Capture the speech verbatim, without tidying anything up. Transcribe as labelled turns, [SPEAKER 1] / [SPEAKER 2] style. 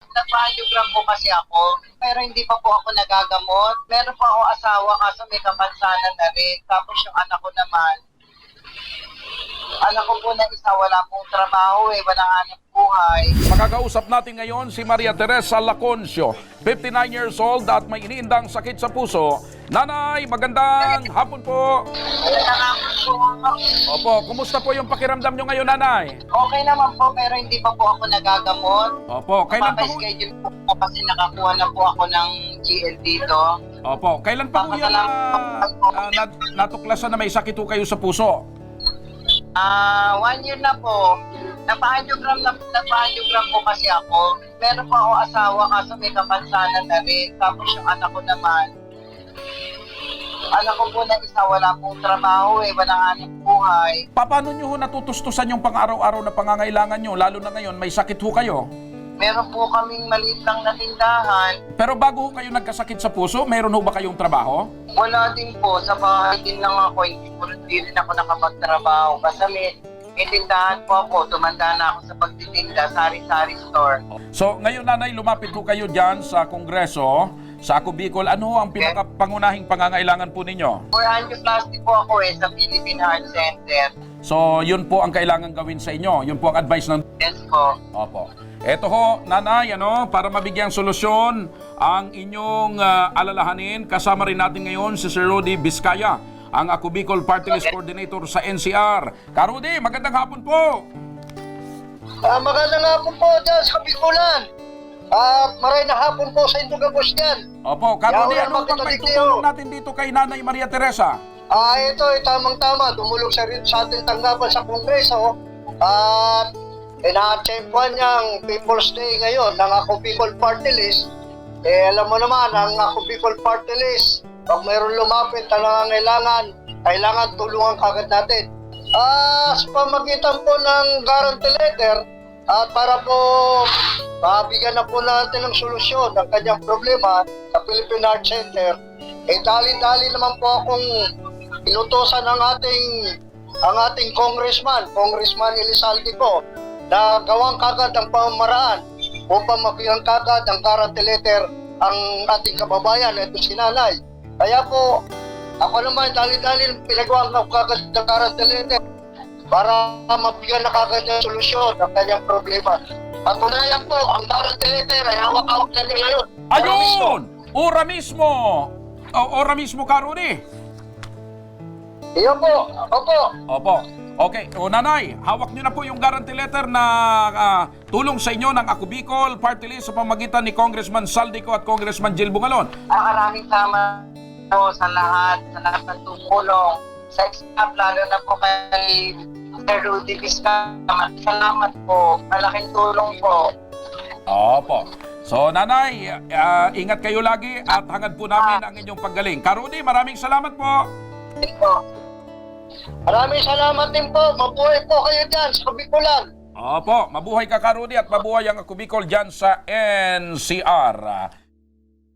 [SPEAKER 1] nagpa-angiogram po kasi ako, pero hindi pa po ako nagagamot. Meron po ako asawa kaso may kapansanan na rin. Tapos yung anak ko naman, anak ko po na isa, wala pong trabaho eh, walang hanap buhay.
[SPEAKER 2] Makakausap natin ngayon si Maria Teresa Laconcio, fifty-nine years old at may iniindang sakit sa puso. Nanay, magandang hapon po.
[SPEAKER 1] Ayun na nga po.
[SPEAKER 2] Opo, kumusta po yung pakiramdam nyo ngayon, nanay?
[SPEAKER 1] Okay naman po, pero hindi pa po ako nagagamot.
[SPEAKER 2] Opo, kailan pa po?
[SPEAKER 1] Papaschedule po po kasi nakakuha na po ako ng G L dito.
[SPEAKER 2] Opo, kailan pa po yan na, uh, nat natuklasan na may sakit po kayo sa puso?
[SPEAKER 1] Ah, one year na po. Napa-angiogram na napa-angiogram po kasi ako. Meron po ako asawa kaso may kapansanan na rin. Tapos yung anak ko naman, anak ko po na isa, wala pong trabaho eh, walang hanap buhay.
[SPEAKER 2] Paano nyo ho natutustusan yung pang-araw-araw na pangangailangan nyo? Lalo na ngayon, may sakit ho kayo.
[SPEAKER 1] Meron po kaming maliit lang na tindahan.
[SPEAKER 2] Pero bago ho kayo nagkasakit sa puso, meron ho ba kayong trabaho?
[SPEAKER 1] Wala din po, sa bahay din lang ako, hindi po hindi rin ako nakapagtrabaho. Kasi may, may tindahan po ako, tumanda na ako sa pagtitinda, sari-sari store.
[SPEAKER 2] So, ngayon nanay, lumapit ho kayo dyan sa Kongreso, sa Ako Bicol. Ano ho ang pinakapangunahing pangangailangan po ninyo?
[SPEAKER 1] For angioplasty po ako eh, sa Philippine Heart Center.
[SPEAKER 2] So, yun po ang kailangan gawin sa inyo. Yun po ang advice ng...
[SPEAKER 1] Yes po.
[SPEAKER 2] Opo. Eto ho, nanay, ano, para mabigyang solusyon ang inyong ah, alalahanin, kasama rin natin ngayon si Sir Rudy Vizcaya, ang Ako Bicol Party List Coordinator sa N C R. Ka-Rudy, magandang hapon po!
[SPEAKER 3] Ah, magandang hapon po dyan sa Bikulan. At maray na hapon po sa Indugabos dyan.
[SPEAKER 2] Opo, Ka-Rudy,
[SPEAKER 3] Yaw,
[SPEAKER 2] ano bang
[SPEAKER 3] makita
[SPEAKER 2] may
[SPEAKER 3] dito.
[SPEAKER 2] tutulong natin dito kay Nanay Maria Teresa?
[SPEAKER 3] Ah, ito ay tamang-tama. Dumulog sa, sa ating tanggapan sa Kongreso. At ina-champuan niyang People's Day ngayon ng Ako Bicol Party List. Eh, alam mo naman, ang Ako Bicol Party List, pag mayroon lumapit na nangangailangan, kailangan tulungan kagad natin. Ah, sa pamagitan po ng guarantee letter, at para po mabigyan na po natin ng solusyon ng kanyang problema sa Philippine Heart Center, eh dali-dali naman po akong inutosan ng ating ang ating congressman, Congressman Elizalde po, na gawang kagad ang pamamaraan upang mabigyan kagad ang guarantee letter ang ating kababayan, ito si Nanay. Kaya po, ako naman dali-dali pinagawa ko kagad ang guarantee letter para mabigyan na kagad ng solusyon ng kanyang problema. At unayan po, ang guarantee letter ay hawak-hawak na nila yun.
[SPEAKER 2] Ayun! Ora mismo! O, ora mismo, Ka-Rudy!
[SPEAKER 3] Iyon po, opo.
[SPEAKER 2] Opo. Okay, o nanay, hawak niyo na po yung guarantee letter na ah, tulong sa inyo ng Ako Bicol Party List sa pamagitan ni Congressman Saldico at Congressman Jill Bungalon.
[SPEAKER 1] Ang maraming salamat po sa lahat, sa lahat ng tumulong, sa staff, lalo na po kay Sir Rudy Vizcaya. Salamat po, malaking tulong po.
[SPEAKER 2] Opo. So nanay, ah, ingat kayo lagi at hangad po namin ang inyong paggaling. Ka-Rudy, maraming salamat po.
[SPEAKER 1] Thank you po.
[SPEAKER 3] Maraming salamat din po. Mabuhay po kayo dyan sa Bikulan.
[SPEAKER 2] Opo, mabuhay ka, Ka-Rudy, at mabuhay ang Ako Bicol dyan sa N C R.